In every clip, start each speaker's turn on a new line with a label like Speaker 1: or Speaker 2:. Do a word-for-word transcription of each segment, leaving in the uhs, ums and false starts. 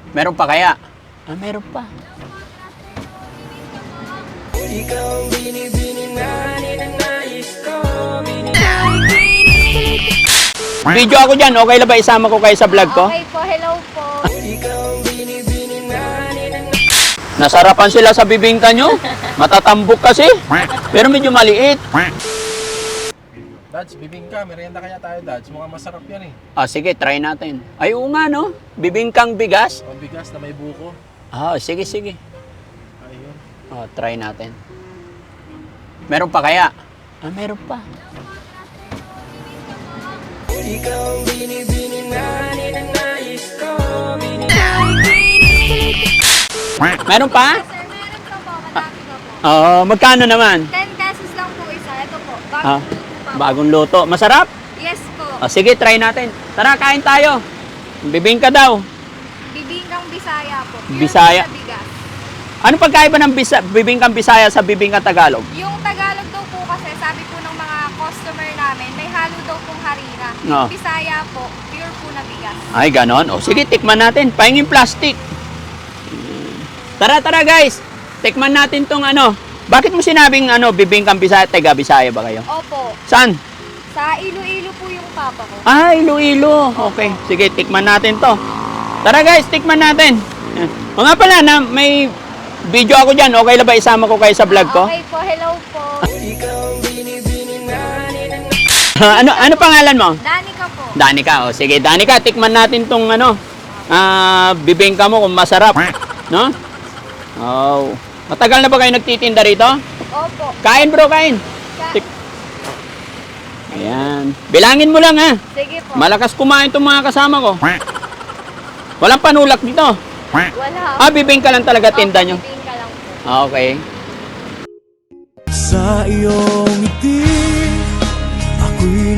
Speaker 1: Meron pa kaya? Ah, meron pa.
Speaker 2: Ikaw ang binibini na ninanais ko.
Speaker 1: Video ako dyan. Okay lang ba isama ko kayo sa vlog ko?
Speaker 3: Okay po, hello po.
Speaker 2: Ikaw ang binibini na ninanais.
Speaker 1: Nasarapan sila sa bibingka nyo. Matatambok kasi. Pero medyo maliit.
Speaker 4: Dads, bibingka. Merienda kaya tayo, Dads. Mukhang masarap yan eh.
Speaker 1: Ah, sige, try natin. Ay, oo nga, no? Bibingkang bigas.
Speaker 4: Pambigas na may buko.
Speaker 1: Ah, sige, sige.
Speaker 4: Ayun.
Speaker 1: Oh, try natin. Meron pa kaya? Ah, meron pa.
Speaker 2: Ikaw ang binibini na ninanais ko.
Speaker 1: Meron pa?
Speaker 3: Sir, meron pa po, madami pa po.
Speaker 1: Oo, magkano naman?
Speaker 3: ten pesos lang po isa. Ito po,
Speaker 1: Ah,
Speaker 3: bagong luto pa po.
Speaker 1: bagong luto. Masarap?
Speaker 3: Yes po.
Speaker 1: Ah, sige, try natin. Tara, kain tayo. Bibingka daw.
Speaker 3: Bibingkang Bisaya po. Pure
Speaker 1: Bisaya.
Speaker 3: po sa bigas.
Speaker 1: Ano pagkaiba ng bisa, bibingkang Bisaya sa bibingkang Tagalog?
Speaker 3: Yung Tagalog daw po kasi, sabi po ng mga customer namin, may halo daw pong harina.
Speaker 1: No.
Speaker 3: Yung Bisaya po, pure po na bigas.
Speaker 1: Ay, ganon. O, sige, tikman natin. Pahingin plastic. Tara, tara, guys. Tikman natin tong ano. Bakit mo sinabing ano, bibingkang Bisaya, taga Bisaya ba kayo?
Speaker 3: Opo.
Speaker 1: Saan?
Speaker 3: Sa Iloilo po yung papa ko.
Speaker 1: Ah, Iloilo. Okay. Sige, tikman natin to. Tara, guys, tikman natin. O nga pala, na, may video ako dyan. Okay lang ba isama ko kayo sa vlog ko?
Speaker 3: Okay po, hello po.
Speaker 2: Ikaw ang binibini na ninanais.
Speaker 1: ano, ano pangalan mo?
Speaker 3: Danica po.
Speaker 1: Danica. O, sige, Danica, tikman natin tong ano, ah, bibingka mo kung masarap. No? Oh. Matagal na ba kayo nagtitinda rito?
Speaker 3: Opo.
Speaker 1: Kain bro, kain.
Speaker 3: Ka-
Speaker 1: Tik- Ayan. Bilangin mo lang ha.
Speaker 3: Sige po.
Speaker 1: Malakas kumain tong mga kasama ko. Walang panulak dito.
Speaker 3: Wala.
Speaker 1: Ah, bibingka lang talaga tinda nyo.
Speaker 3: Bibingka lang po.
Speaker 1: Ah, okay.
Speaker 2: Sa iyong ngiti, ako'y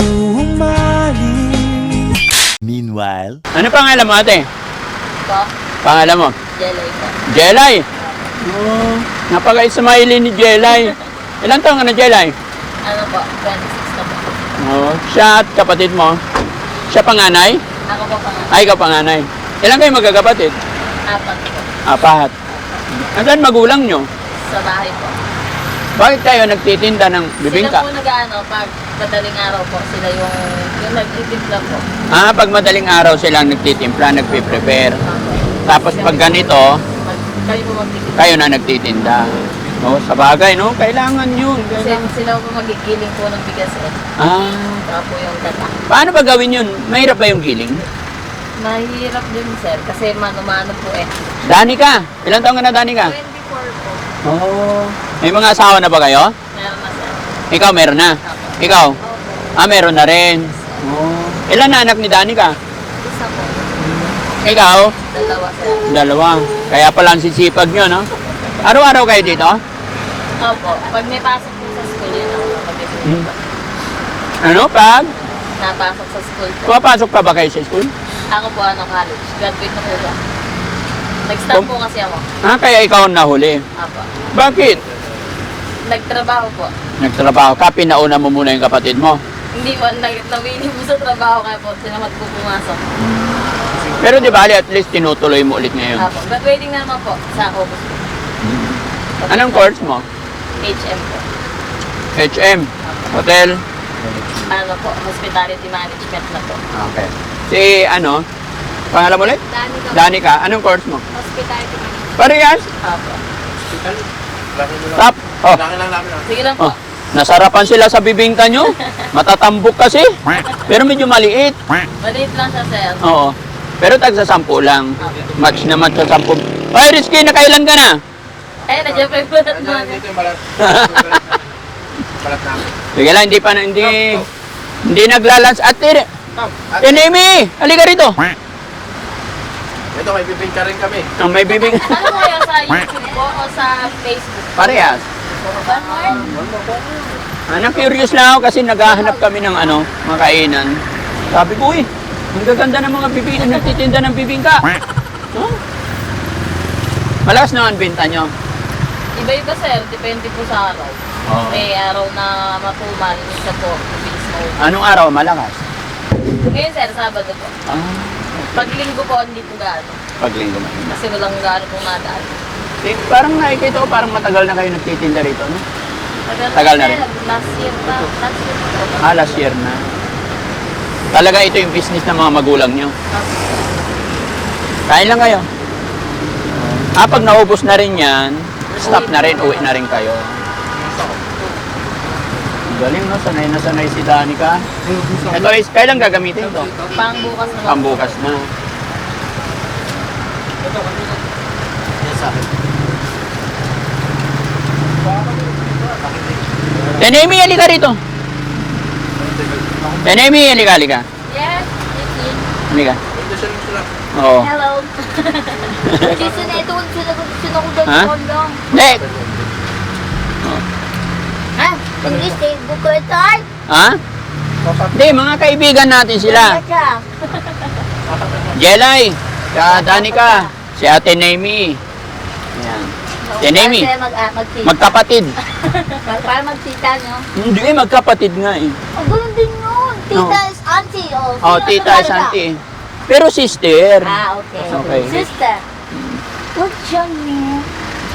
Speaker 2: nahuhumaling.
Speaker 5: Meanwhile,
Speaker 1: Ano pangalan mo ate?
Speaker 3: Po.
Speaker 1: Pangalan mo?
Speaker 3: Jelay po.
Speaker 1: Jelay. Oh, napaka-smiley ni Jelay. Ilan taong ka na Jelay?
Speaker 3: Ano po? twenty-six na po.
Speaker 1: Oh, siya at kapatid mo. Siya panganay?
Speaker 3: Ako po pang
Speaker 1: Ay, ikaw panganay. Ilan kayo magkakapatid?
Speaker 3: apat po.
Speaker 1: Apat. Nasaan magulang nyo?
Speaker 3: Sa bahay po.
Speaker 1: Bakit kayo nagtitinda ng bibingka?
Speaker 3: Sila po nag-ano, pag madaling araw po, sila yung, yung nag-itimpla po.
Speaker 1: Ah, pag madaling araw silang nagtitimpla, nagpe-prepare. Tapos pag ganito,
Speaker 3: Mag, kami po magtitimla.
Speaker 1: kayo na nagtitinda. Oh, sa bagay, no? Kailangan yun.
Speaker 3: Kasi
Speaker 1: Kailangan.
Speaker 3: sila po magigiling po ng bigas eh.
Speaker 1: Ah,
Speaker 3: Saka po yung tata.
Speaker 1: paano ba gawin yun? Mahirap ba yung giling?
Speaker 3: Mahirap din sir, kasi mano-mano po eh.
Speaker 1: Danica, ilan taong ka na Danica?
Speaker 3: twenty-four po.
Speaker 1: Oh. May mga asawa na ba kayo?
Speaker 3: Meron na sir.
Speaker 1: Ikaw, meron na.
Speaker 3: Ako.
Speaker 1: Ikaw?
Speaker 3: Opo.
Speaker 1: Ah, meron na rin. Oh. Ilan na anak ni Danica?
Speaker 3: Isa po.
Speaker 1: Ikaw?
Speaker 3: Dalawa sir.
Speaker 1: Dalawa. Kaya pala ang sisipag nyo, no? Araw-araw kayo dito?
Speaker 3: Opo. Pag may pasok po sa school, yun ako kapag
Speaker 1: Hmm. Ano, pag?
Speaker 3: napasok sa school po.
Speaker 1: Pumapasok pa ba kayo sa school?
Speaker 3: Ako po ano college. Graduate na po ba? Nag-start
Speaker 1: Pum-
Speaker 3: po kasi ako.
Speaker 1: Ah, kaya ikaw ang nahuli.
Speaker 3: Apo.
Speaker 1: Bakit?
Speaker 3: Nagtrabaho po.
Speaker 1: Nagtrabaho ka, pinauna mo muna yung kapatid mo.
Speaker 3: Hindi po, nag- nawili po sa trabaho kaya po sinamat po pumasok.
Speaker 1: Pero di ba, at least tinutuloy mo ulit ngayon.
Speaker 3: Apo. Graduating na naman po sa August po.
Speaker 1: Anong course mo?
Speaker 3: H M po.
Speaker 1: H M, hotel.
Speaker 3: Ano po, hospitality management na po.
Speaker 1: Okay. Si ano? Pangalan mo ulit?
Speaker 3: Dani ka po.
Speaker 1: Danica, anong course mo?
Speaker 3: Hospitality management.
Speaker 1: Parehas?
Speaker 3: Apo.
Speaker 4: Laki mo lang.
Speaker 1: Top. Oh,
Speaker 4: Laki lang namin ah.
Speaker 3: Sige lang po.
Speaker 1: oh. Nasarapan sila sa bibingka nyo. Matatambok kasi. Pero medyo maliit.
Speaker 3: Maliit lang siya sir.
Speaker 1: Oo. Pero tag sa sampu lang. Match na match sa sampu. Ay, Rizky, nakailan ka na?
Speaker 3: Eh, nandiyan pa yung balat mo.
Speaker 4: Nandiyan dito yung balat. Balat namin.
Speaker 1: Sige lang, hindi pa na, hindi, hindi naglalans. Ate,
Speaker 4: Tom, at
Speaker 1: Enemy, halika rito.
Speaker 4: ito may bibingka rin kami.
Speaker 1: Ang may bibing.
Speaker 3: Ano po yan sa YouTube po o sa Facebook?
Speaker 1: Parehas.
Speaker 3: One more?
Speaker 1: Ano, curious lang ako kasi naghahanap kami ng ano, mga kainan. Sabi ko, uy, ang gaganda ng mga bibingka, nagtitinda ng bibingka. Huh? Malakas naman binta nyo.
Speaker 3: Iba-iba sir, depende po sa araw.
Speaker 1: Oo.
Speaker 3: May araw na matumal, minsan po, mabilis mo.
Speaker 1: Anong araw malakas?
Speaker 3: Ngayon sir, Sabado po.
Speaker 1: Ah,
Speaker 5: Pag linggo po, hindi po gaano.
Speaker 1: Pag linggo mahina.
Speaker 5: Kasi walang gaano pong nadaan.
Speaker 1: Eh, parang nakikita ko, parang matagal na kayo nagtitinda rito, no?
Speaker 5: Tagal,
Speaker 1: Tagal na rin.
Speaker 5: Last year pa. Last year pa.
Speaker 1: Ah, last year na. Talaga ito yung business ng mga magulang nyo. Kain lang kayo. Ah, pag naubos na rin yan, stop na rin, uwi na rin kayo. Galing, no? Sanay na sanay si Danica. Ito is, kailan gagamitin ito?
Speaker 5: Pang bukas na.
Speaker 1: Pambukas na. Tenemi, halika rito. Tenemi, halika, halika.
Speaker 5: Yes, it's in.
Speaker 1: Halika.
Speaker 4: Ito siya lang sila.
Speaker 1: Oo.
Speaker 5: Hello. Kasi na ito, sinakudal
Speaker 1: Ha?
Speaker 5: ko lang.
Speaker 1: Hindi.
Speaker 5: Ha? English, eh, buko ito ay.
Speaker 1: Ha? Hindi, mga kaibigan natin sila. Jelay, si Danica, si Ate Nemi. Ayan. Si Nemi,
Speaker 5: Para mag, ah, magtita.
Speaker 1: magkapatid.
Speaker 5: Para magtita, no?
Speaker 1: Hindi, magkapatid nga eh.
Speaker 5: Ang ganun din yun. Tita is auntie. Oh,
Speaker 1: Oh,
Speaker 5: Sino
Speaker 1: tita
Speaker 5: ang
Speaker 1: is
Speaker 5: talaga?
Speaker 1: auntie. Pero sister.
Speaker 5: Ah, okay.
Speaker 1: Okay.
Speaker 5: Sister. Good job, man.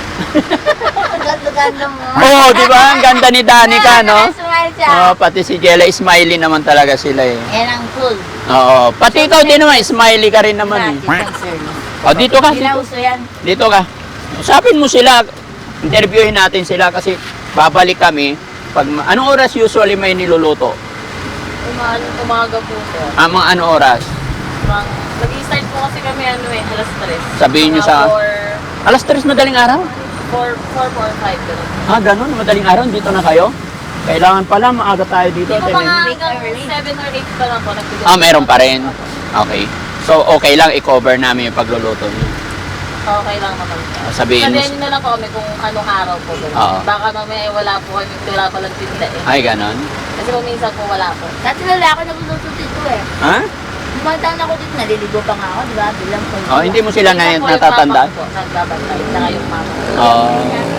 Speaker 5: Ganda-ganda mo.
Speaker 1: Oo, oh, di ba? Ang ganda ni Danica, no?
Speaker 5: Smile siya.
Speaker 1: Oh, pati si Jelay, smiley naman talaga sila eh.
Speaker 5: Yan ang cool.
Speaker 1: Oo, pati ikaw din naman, smiley ka rin naman eh. Oh, dito ka,
Speaker 5: Hindi
Speaker 1: dito.
Speaker 5: na uso yan.
Speaker 1: Dito ka. Usapin mo sila. Interviewin natin sila kasi babalik kami. Pag, ma- anong oras usually may niluluto?
Speaker 5: Umaga, umaga po sir.
Speaker 1: Ah, mga ano oras?
Speaker 5: Mang- Nag-i-start po kasi kami ano eh, alas tres.
Speaker 1: Sabihin niyo sa-
Speaker 5: four,
Speaker 1: Alas tres madaling araw?
Speaker 5: four, four, four, five. Ganun.
Speaker 1: Ah, ganun. Madaling araw. Dito na kayo? Kailangan pala maaga tayo dito.
Speaker 5: Hindi po
Speaker 1: Tene.
Speaker 5: mga hanggang seven or eight pa lang po. nagbigay
Speaker 1: Ah,
Speaker 5: po
Speaker 1: meron
Speaker 5: kami.
Speaker 1: pa rin. Okay. So, okay lang i-cover namin yung pagluluto niyo.
Speaker 5: Okay lang naman.
Speaker 1: Ah, sabihin mo.
Speaker 5: Sabihin niyo na lang po kami kung anong araw po. ganun.
Speaker 1: Oo.
Speaker 5: Baka mamaya wala po kami, wala pa lang tinda eh.
Speaker 1: Ay, ganun.
Speaker 5: Kasi kung minsan po wala po. Dati wala ako nagluluto dito eh.
Speaker 1: Ha?
Speaker 5: Dumadaan ako dito, naliligo pa nga ako, di ba? Bilang po.
Speaker 1: Oh, hindi mo sila na
Speaker 5: Minsan po yung
Speaker 1: natatandaan?
Speaker 5: papa ko po, nagbabantay, saka yung mama ko.
Speaker 1: Oo.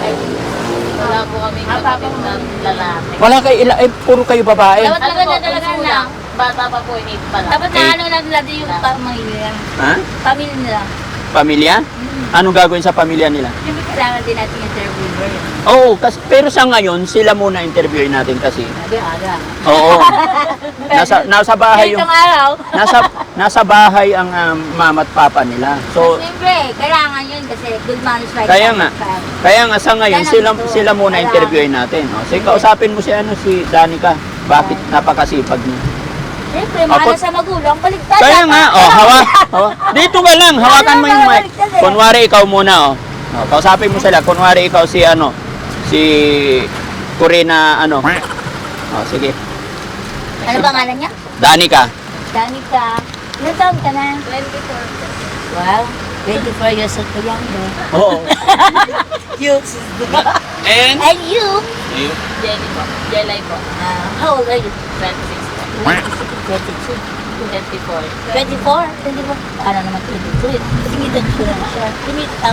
Speaker 5: Wala po kami kapatid na lalaki.
Speaker 1: Wala kayo, ila- eh, puro kayo babae.
Speaker 5: Dapat talaga na talaga na. Bata pa po, eight pa lang. Dapat
Speaker 1: na Eight.
Speaker 5: ano lang nila yung pamilya.
Speaker 1: Ha?
Speaker 5: Pamilya nila.
Speaker 1: Pamilya? Anong gagawin sa pamilya nila?
Speaker 5: Siyempre kailangan din natin interviewer.
Speaker 1: Oo, kasi, pero sa ngayon, sila muna interviewin natin kasi.
Speaker 5: Sabi, aga.
Speaker 1: Oo. nasa, nasa bahay yung...
Speaker 5: Itong araw.
Speaker 1: Nasa, nasa bahay ang um, mama at papa nila. So,
Speaker 5: Siyempre, kailangan yun kasi good manners like
Speaker 1: Kaya
Speaker 5: that.
Speaker 1: nga. kaya nga sa ngayon,
Speaker 5: Yan ang
Speaker 1: sila,
Speaker 5: gusto.
Speaker 1: sila muna
Speaker 5: Kailangan.
Speaker 1: interviewin natin. O, sige, kausapin mo si, ano, si Danica. Bakit napakasipag niya?
Speaker 5: Siyempre,
Speaker 1: Apo-
Speaker 5: mahal sa magulang, baligtad.
Speaker 1: Kaya
Speaker 5: dapat.
Speaker 1: nga, oh, hawa, hawa. Dito ka lang, hawakan mo yung mic.
Speaker 5: Balik-balik eh.
Speaker 1: Kunwari ikaw muna, oh. oh kausapin mo sila. Kunwari ikaw si, ano, si Corina, ano. Oh, sige.
Speaker 5: Ano pangalan niya?
Speaker 1: Danica.
Speaker 5: Danica. Ilan taon ka na? twenty-four. Wow. twenty-four years old ka yan, no?
Speaker 1: Oo.
Speaker 5: You.
Speaker 1: And?
Speaker 5: And you?
Speaker 1: You.
Speaker 5: Jenny po. Jelay po. Uh, how old are you? twenty-six po. twenty-two. twenty-four. twenty-four? twenty-four? Ano naman twenty-two? Tinitan ko na siya. Tinitang.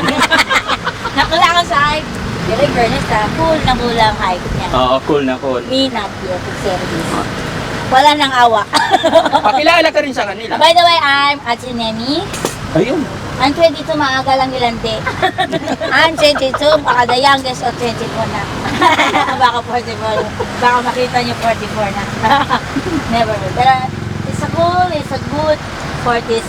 Speaker 5: Nakulangan sa height. Pero in fairness ha, cool na cool ang height niya.
Speaker 1: Oo, cool na cool.
Speaker 5: Me not yet, service. Wala nang awa.
Speaker 1: Pakilala ka rin sa kanila.
Speaker 5: By the way, I'm Atsinemi.
Speaker 1: Ayun.
Speaker 5: I'm twenty-two, maaga lang nilandi. I'm twenty-two, baka the youngest of twenty-four na. Baka forty-four. Baka makita niyo forty-four na. Never. Pero it's a cool, it's a good for this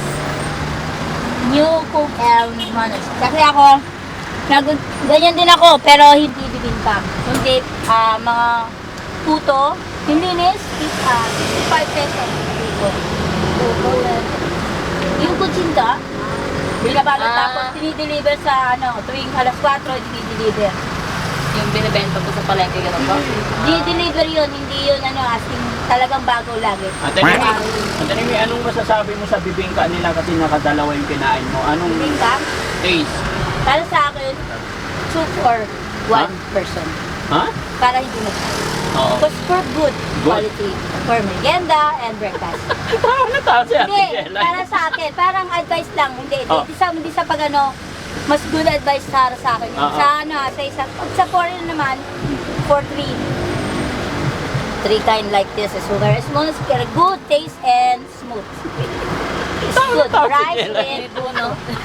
Speaker 5: new cook and manners. Kasi ako, nag ganyan din ako, pero hindi bibingka. Hindi ah, mga puto, yung linis, uh, five pesos. Puto. Yung kutsinta, binabalot
Speaker 3: Ah.
Speaker 5: tapos dinideliver sa ano, tuwing alas kwatro, dinideliver.
Speaker 3: Yung binibenta po sa palengke, gano'n po?
Speaker 5: Di-deliver yun, hindi yun ano, as in, talagang bago lagi.
Speaker 1: Ate Nemi, Ate Nemi, anong masasabi mo sa bibingka nila kasi nakadalawa yung kinain mo? Anong
Speaker 5: Bibingka,
Speaker 1: taste?
Speaker 5: para sa akin, two for one
Speaker 1: Huh?
Speaker 5: person.
Speaker 1: Ha?
Speaker 5: Para hindi mo.
Speaker 1: Oo.
Speaker 5: Because for good, quality, for merienda and breakfast.
Speaker 1: Ah, natawa si Ate
Speaker 5: Hindi,
Speaker 1: Jella.
Speaker 5: para sa akin, parang advice lang. Hindi,
Speaker 1: Oh.
Speaker 5: hindi, sa, hindi sa pag ano, mas good advice para sa akin. yun.
Speaker 1: Ah, ah.
Speaker 5: Sa ano, sa isa, pag sa foreign naman, for three. Three kind like this is sugar, smooth, good taste and smooth. Good
Speaker 1: tao si
Speaker 5: rice
Speaker 1: Jella.
Speaker 5: with puno.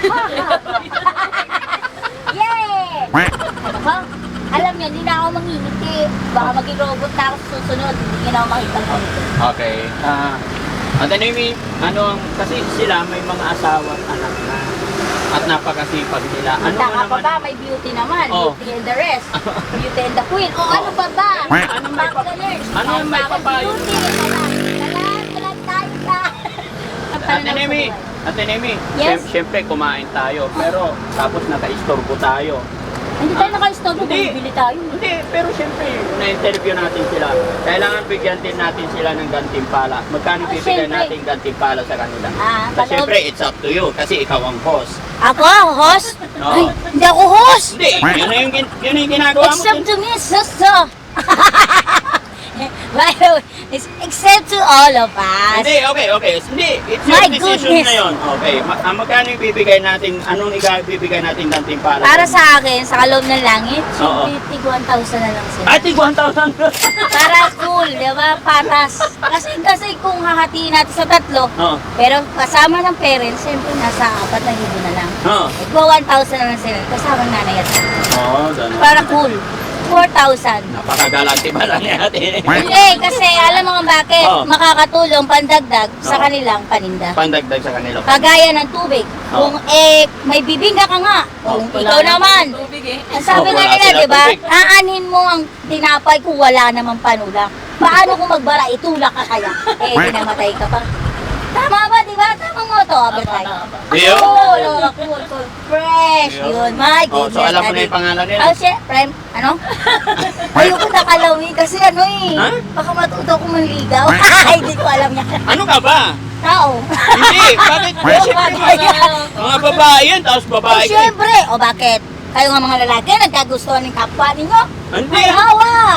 Speaker 5: Yay! Ano ba? Alam niyo, hindi na ako mangingiti. Baka maging robot na ako sa susunod. Hindi na ako makita ko.
Speaker 1: Okay. Ah, at ano yung, ano, kasi sila may mga asawa at anak na. At napakasipag nila. Ano
Speaker 5: Kita
Speaker 1: mo
Speaker 5: ka pa
Speaker 1: naman?
Speaker 5: ba? May beauty naman.
Speaker 1: Oh.
Speaker 5: Beauty and the rest. Beauty and the queen. O ano pa ba?
Speaker 1: Ano may pa- ano yung may papayo?
Speaker 5: Beauty. Talaan, talaan tayo ka.
Speaker 1: Ate Nemi, Ate Nemi,
Speaker 5: Yes?
Speaker 1: syem- syempre kumain tayo, pero tapos naka-istorbo tayo.
Speaker 5: Hindi tayo naka-stop.
Speaker 1: Hindi.
Speaker 5: Bibili tayo.
Speaker 1: Hindi, pero syempre, na-interview natin sila. Kailangan bigyan din natin sila ng gantimpala. Magkano
Speaker 5: Ah,
Speaker 1: bibigyan
Speaker 5: syempre.
Speaker 1: natin gantimpala sa kanila?
Speaker 5: Ah,
Speaker 1: Kasi
Speaker 5: kaloob-
Speaker 1: syempre, it's up to you, kasi ikaw ang host.
Speaker 5: Ako, host?
Speaker 1: Oo.
Speaker 5: Ay, hindi ako host.
Speaker 1: Hindi, yun na yung, gin- yun na yung ginagawa mo.
Speaker 5: Except to me, sister. By the way, it's except to all of us.
Speaker 1: Hindi, okay, okay. Hindi, it's your
Speaker 5: My
Speaker 1: decision
Speaker 5: goodness.
Speaker 1: ngayon. Okay, Ma- ah, magkano yung bibigay natin, anong ibibigay natin gantimpala?
Speaker 5: Para sa akin, sa kaloob ng langit,
Speaker 1: Oo.
Speaker 5: tig one thousand na lang sila.
Speaker 1: Ate, one thousand.
Speaker 5: Para cool, di ba? Patas. Kasi kasi kung hahatiin natin sa tatlo,
Speaker 1: Oo.
Speaker 5: pero kasama ng parents, siyempre nasa apat na libo na lang.
Speaker 1: Oo.
Speaker 5: Nagwa one thousand na lang sila, kasama ng nanay at tatay.
Speaker 1: Oo, ganun.
Speaker 5: Para cool, four thousand.
Speaker 1: Napakagalante pala ni ate.
Speaker 5: Hindi, kasi alam mo kung bakit,
Speaker 1: Oo.
Speaker 5: makakatulong pandagdag sa
Speaker 1: Oo.
Speaker 5: kanilang paninda.
Speaker 1: Pandagdag sa kanila.
Speaker 5: Kagaya ng tubig.
Speaker 1: Oo.
Speaker 5: Kung eh, may bibingka ka nga, kung
Speaker 1: Oo.
Speaker 5: ikaw naman, ang sabi
Speaker 1: Oo,
Speaker 5: nga
Speaker 1: wala
Speaker 5: nila,
Speaker 1: sila
Speaker 5: di ba?
Speaker 1: tubig.
Speaker 5: Aanin mo ang tinapay kung wala namang panulak. Paano kung magbara, itulak ka kaya? Eh, dinamatay ka pa. Tama ba, di ba? Tama mo to, Abertay.
Speaker 1: Yun.
Speaker 5: Cool, oh, cool, cool. Fresh,
Speaker 1: Yun.
Speaker 5: yun. My
Speaker 1: Oh,
Speaker 5: goodness.
Speaker 1: so alam mo na
Speaker 5: Adi.
Speaker 1: yung pangalan nila?
Speaker 5: Oh, shit, prime, ano? Ayoko nakalawin kasi ano eh.
Speaker 1: Ha?
Speaker 5: Baka matuto ko manligaw. Hindi ko alam niya.
Speaker 1: Ano ka ba?
Speaker 5: Tao.
Speaker 1: Hindi, bakit?
Speaker 5: Oh,
Speaker 1: Siyempre,
Speaker 5: bagay.
Speaker 1: mga, mga babae yan, tapos
Speaker 5: Oh,
Speaker 1: babae ka.
Speaker 5: syempre. O bakit? Kayo nga mga lalaki, nagkagustuhan ng kapwa ninyo.
Speaker 1: Hindi.
Speaker 5: Ay, hawa!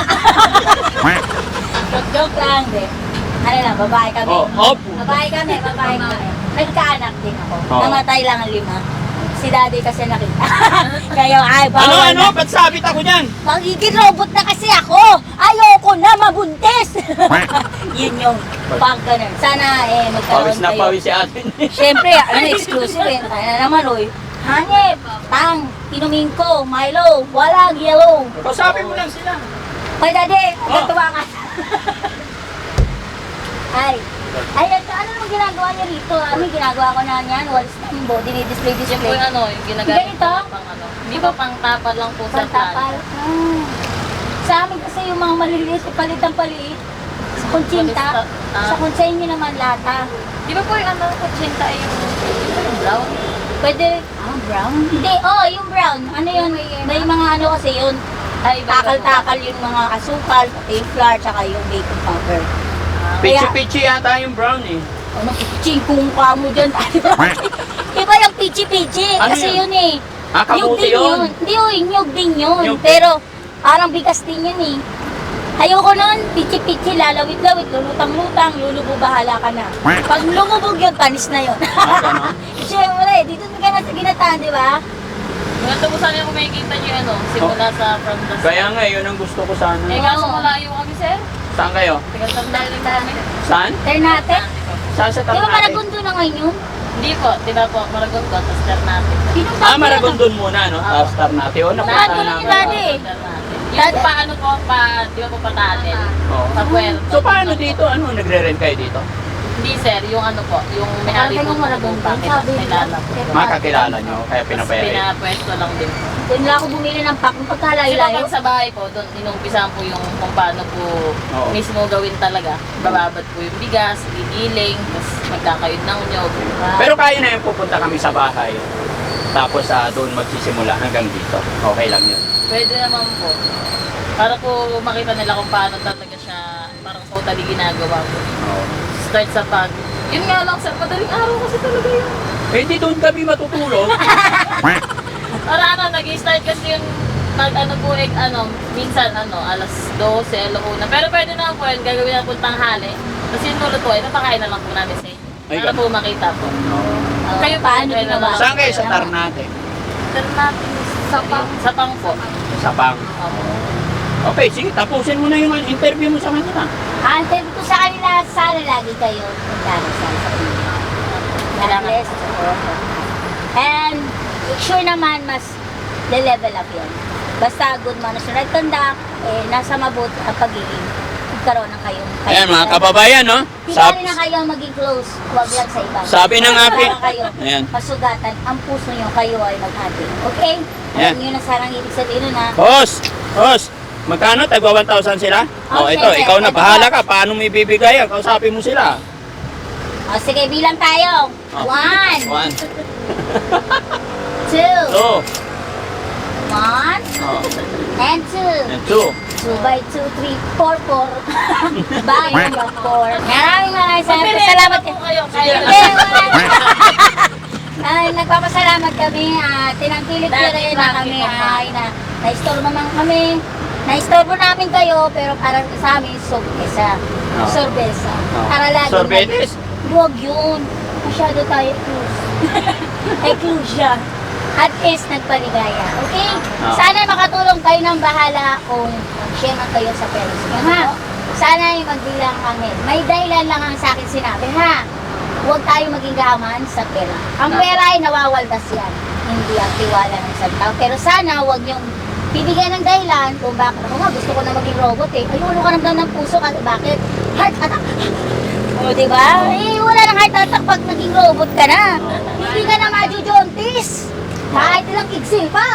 Speaker 5: Joke lang, de. Ano lang, babae kami.
Speaker 1: Oh, oh.
Speaker 5: Babae kami, babae kami. Nagkaanak din ako.
Speaker 1: Oh.
Speaker 5: Namatay lang ang lima. Si daddy kasi nakita. Kaya ay,
Speaker 1: Ano,
Speaker 5: bawal
Speaker 1: ano?
Speaker 5: na.
Speaker 1: Ba't sabit ako dyan?
Speaker 5: Magiging robot na kasi ako. Ayoko na mabuntis. Yun yung pag ganun. Sana eh magkaroon
Speaker 1: Pawis na
Speaker 5: kayo.
Speaker 1: pawis si ate.
Speaker 5: Siyempre, ano, exclusive eh. Kaya na naman, oy. Hanip, tang, inumin ko, Milo, walang yellow.
Speaker 1: Kausapin mo lang sila.
Speaker 5: Ay, daddy,
Speaker 1: Oh.
Speaker 5: natuwa ka. Ay, ay, ito, ano nang ginagawa niya rito? Ano yung ginagawa ko na yan? Walis na yung body, display,
Speaker 6: Yung po
Speaker 5: display.
Speaker 6: yung ano, yung ginagamit
Speaker 5: Ganito?
Speaker 6: ko pang ano. Hindi ba pang tapal lang po sa
Speaker 5: Pantapal.
Speaker 6: plan?
Speaker 5: Ah. Sa amin kasi yung mga maliliit, palit ang paliit. Sa kuntsinta.
Speaker 6: Ah.
Speaker 5: Sa kuntsinta naman lata.
Speaker 6: Di ba po yung ano, kutsinta ay yung, yung brown?
Speaker 5: Pwede, ah, brown? Hindi, oh, yung brown. Ano yun? May mga ano kasi yun.
Speaker 6: Ay, iba-
Speaker 5: Takal-takal yung mga asukal, pati yung flour, tsaka yung baking powder.
Speaker 6: Ah,
Speaker 1: Pichi-pichi yata yung brown eh.
Speaker 5: Ano, pichingkung ka mo dyan. Iba yung pichi-pichi.
Speaker 1: Ano
Speaker 5: kasi
Speaker 1: yun?
Speaker 5: yun eh.
Speaker 1: Ah,
Speaker 5: Nyug
Speaker 1: kabuti
Speaker 5: din
Speaker 1: yun.
Speaker 5: Hindi yun, nyug din yun.
Speaker 1: Nyug.
Speaker 5: Pero, parang bigas din yun eh. Ayoko nun, pichi-pichi, lalawit-lawit, lulutang-lutang, lulubo, bahala ka na. Pag lumubog yun, panis na yun.
Speaker 1: Ah, ganon?
Speaker 5: Siyempre, dito ka na sa ginataan, di ba?
Speaker 6: Yung ito po sana yung makikita nyo yung ano, simula sa from the
Speaker 1: Kaya nga, yun ang gusto ko sana.
Speaker 6: Eh, kaso malayo kami, sir.
Speaker 1: Saan kayo?
Speaker 6: Tigal-tandaan lang kami.
Speaker 1: Saan?
Speaker 5: Ternate.
Speaker 1: Saan sa
Speaker 5: Di ba
Speaker 1: Ternate?
Speaker 5: Maragundo na ngayon yun?
Speaker 6: Hindi po, di ba po, Maragon ko, tapos Ternate.
Speaker 5: Pinunta
Speaker 1: Ah,
Speaker 5: ko
Speaker 1: Maragondon muna, no?
Speaker 6: Ah.
Speaker 1: Tapos Ternate. O, napunta
Speaker 5: Ternate
Speaker 1: na.
Speaker 5: lang yung dati.
Speaker 6: Ternate. Yung pa ano po, pa, di ba po patatin?
Speaker 1: Oo.
Speaker 6: Sa puerto.
Speaker 1: So, paano dito? Ano, nagre-rent kayo dito?
Speaker 6: Hindi, sir, yung ano po, yung may-ari po
Speaker 5: Yung Maragon
Speaker 6: ng
Speaker 5: pa.
Speaker 6: bakit
Speaker 5: Sabi
Speaker 6: nilala po.
Speaker 1: Makakilala nyo, kaya
Speaker 6: Tapos
Speaker 1: pinapayarin.
Speaker 6: pinapwesto lang din.
Speaker 5: Doon lang ako bumili ng pack ng
Speaker 6: Kasi po
Speaker 5: pagkalayo-layo.
Speaker 6: pag sa bahay po, doon inumpisahan po yung kung paano po
Speaker 1: Oo.
Speaker 6: mismo gawin talaga. Bababad po yung bigas, gigiling, tapos magkakayod ng nyog.
Speaker 1: Pero kaya na yung pupunta kami sa bahay. Tapos ah, doon magsisimula hanggang dito. Okay lang yun.
Speaker 6: Pwede naman po. Para po makita nila kung paano talaga siya parang totally ginagawa po.
Speaker 1: Oo.
Speaker 6: Start sa pag. Yun nga lang sir, madaling araw kasi talaga yun.
Speaker 1: Eh, di doon kami matutulog.
Speaker 6: Para ano, nag-start kasi yung pag ano po, eh, ano, minsan ano, alas dose, alauna. Pero pwede naman po yun, gagawin na po tanghali. Kasi yung tulad po, ito pakain na lang po namin sa inyo.
Speaker 1: Ay,
Speaker 6: Para
Speaker 1: ganun.
Speaker 6: po makita po.
Speaker 5: Oh,
Speaker 6: Kayo
Speaker 5: paano
Speaker 6: po,
Speaker 5: ginawa?
Speaker 1: Saan kayo sa Ternate?
Speaker 6: Sir natin, sa pang, sa pang po.
Speaker 1: Sa Pang.
Speaker 6: Opo.
Speaker 1: Okay, sige, tapusin mo na yung interview mo sa kanila.
Speaker 5: Antay ko sa kanila, sana lagi kayo magdarasal sa inyo. God
Speaker 6: Kailangan.
Speaker 5: bless. And sure naman, mas le-level up yan. Basta good management conduct, eh, nasa mabuti ang pagiging magkaroon ng kayong
Speaker 1: Ayan mga kababayan, no? Sab
Speaker 5: Hindi na kayo maging close, huwag lang sa iba.
Speaker 1: Sabi ng aking-
Speaker 5: Para kayo,
Speaker 1: Ayan.
Speaker 5: masugatan, ang puso nyo, kayo ay maghati. Okay?
Speaker 1: Ayan.
Speaker 5: Alam nyo na sarang ibig sabihin nun ha.
Speaker 1: Host! Host! Magkano? Tagwa one thousand sila? Oh,
Speaker 5: Okay,
Speaker 1: ito,
Speaker 5: sir.
Speaker 1: ikaw na.
Speaker 5: Ito.
Speaker 1: Bahala ka. Paano mo ibibigay yan? Kausapin mo sila.
Speaker 5: O sige, bilang tayo.
Speaker 1: Oh.
Speaker 5: One,
Speaker 1: One.
Speaker 5: two,
Speaker 1: Two.
Speaker 5: one,
Speaker 1: Oh.
Speaker 5: and two.
Speaker 1: And two.
Speaker 5: Two by two, three, four, four. Bagay yung four. Maraming maraming salamat.
Speaker 6: Pagpili,
Speaker 5: Salamat
Speaker 6: po kayo. Kayo.
Speaker 5: Hindi, wala. Ay, nagpapasalamat kami. Uh, tinangkilik nyo
Speaker 6: Dati
Speaker 5: rin na
Speaker 6: bakit
Speaker 5: kami.
Speaker 6: ka pa?
Speaker 5: Ay, na, na-istorbo naman kami. Na-istorbo namin kayo, pero para sa amin, sorbesa.
Speaker 1: Oh.
Speaker 5: Sorbesa.
Speaker 1: Oh.
Speaker 5: Para lagi.
Speaker 1: Sorbetes?
Speaker 5: Huwag yun. Masyado tayo close. Exclusion. At least nagpaligaya. Okay?
Speaker 1: Oh.
Speaker 5: Sana makatulong kayo ng bahala kung share man kayo sa parents niyo, ha? Sana yung magbilang kami. May dahilan lang ang sa akin sinabi, ha? Huwag tayo maging gaman sa pera. Ang pera ay nawawaldas yan. Hindi ang tiwala ng isang tao. Pero sana huwag niyong bibigyan ng dahilan kung bakit. Ako nga, gusto ko na maging robot eh. Ayun, ka naman ng puso ka. Bakit? Heart attack. O, diba? Eh, wala nang heart attack pag naging robot ka na. Hindi ka na majujontis. Kahit ilang kigsil pa.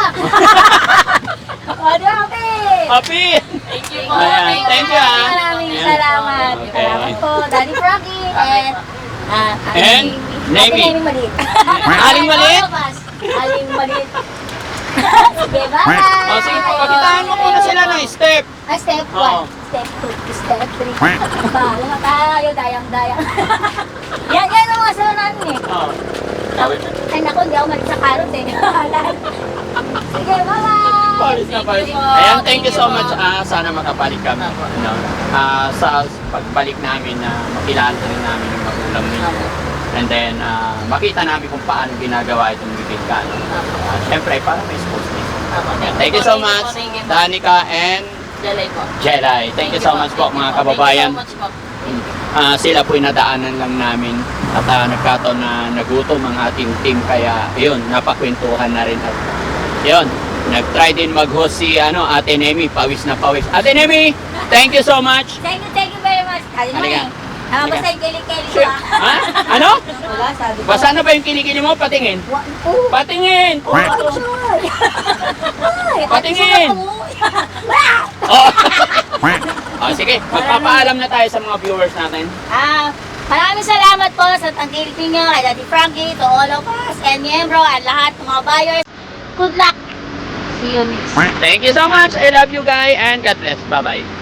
Speaker 5: O, diba, Kape?
Speaker 1: Happy!
Speaker 6: Thank you po.
Speaker 1: Ayan, thank you, ah.
Speaker 5: Maraming
Speaker 1: Ayan.
Speaker 5: salamat.
Speaker 1: Okay.
Speaker 5: Salamat po, Daddy Frankie. And, ah,
Speaker 1: And, Navy.
Speaker 5: Aling maliit.
Speaker 1: Aling maliit?
Speaker 5: Aling maliit. Sige, bye-bye.
Speaker 1: O, sige, pakitaan mo muna sila ng step.
Speaker 5: Ah, step
Speaker 1: Oo.
Speaker 5: one, step two, step three. Bahala na tayo, dayang-dayang. Yan, yan ang mga sunod eh.
Speaker 1: Oh.
Speaker 5: Ay, naku, hindi ako malit sa karot eh. Sige, bye-bye.
Speaker 1: Paris na paris.
Speaker 6: Thank you po.
Speaker 1: Ayan, thank you
Speaker 6: Thank
Speaker 1: so
Speaker 6: you
Speaker 1: much.
Speaker 6: po.
Speaker 1: Ah, sana makabalik kami. Ano, ah, sa pagbalik namin na makilala rin namin yung magulang ninyo. And then, ah, makita namin kung paano ginagawa itong bibig ka. No? Ah, Siyempre, para may sports nito. Ayan, thank you so much,
Speaker 6: Thank you po.
Speaker 1: Danica and
Speaker 6: Jalay po.
Speaker 1: Jelay. Thank you so much po, mga kababayan.
Speaker 6: Thank you so much po.
Speaker 1: Ah, sila po'y nadaanan lang namin at ah, nagkataon na nagutom ang ating team kaya yun, napakwentuhan na rin at yun, nag-try din mag-host si ano, Ate Nemi, pawis na pawis. Ate Nemi, thank you so much.
Speaker 5: Thank you, thank you very much. Kali naman
Speaker 1: Halika.
Speaker 5: eh. Nakabasa
Speaker 1: Halika.
Speaker 5: yung kilikili ko
Speaker 1: Shit.
Speaker 5: ah.
Speaker 1: Ha? Ano?
Speaker 5: Wala, sabi ko.
Speaker 1: Basa na ba yung kilikili mo? Patingin.
Speaker 5: Wa- Oo.
Speaker 1: Patingin!
Speaker 5: Oh, sorry. Ay,
Speaker 1: Patingin.
Speaker 5: ate, sulat mo.
Speaker 1: Oh. oh, sige, magpapaalam na tayo sa mga viewers natin.
Speaker 5: Ah, maraming salamat po sa tangkilik ninyo, kay Daddy Frankie, to all of us, and Miembro, at lahat ng mga buyers. Good luck! See you next.
Speaker 1: Thank you so much. I love you guys and God bless. Bye-bye.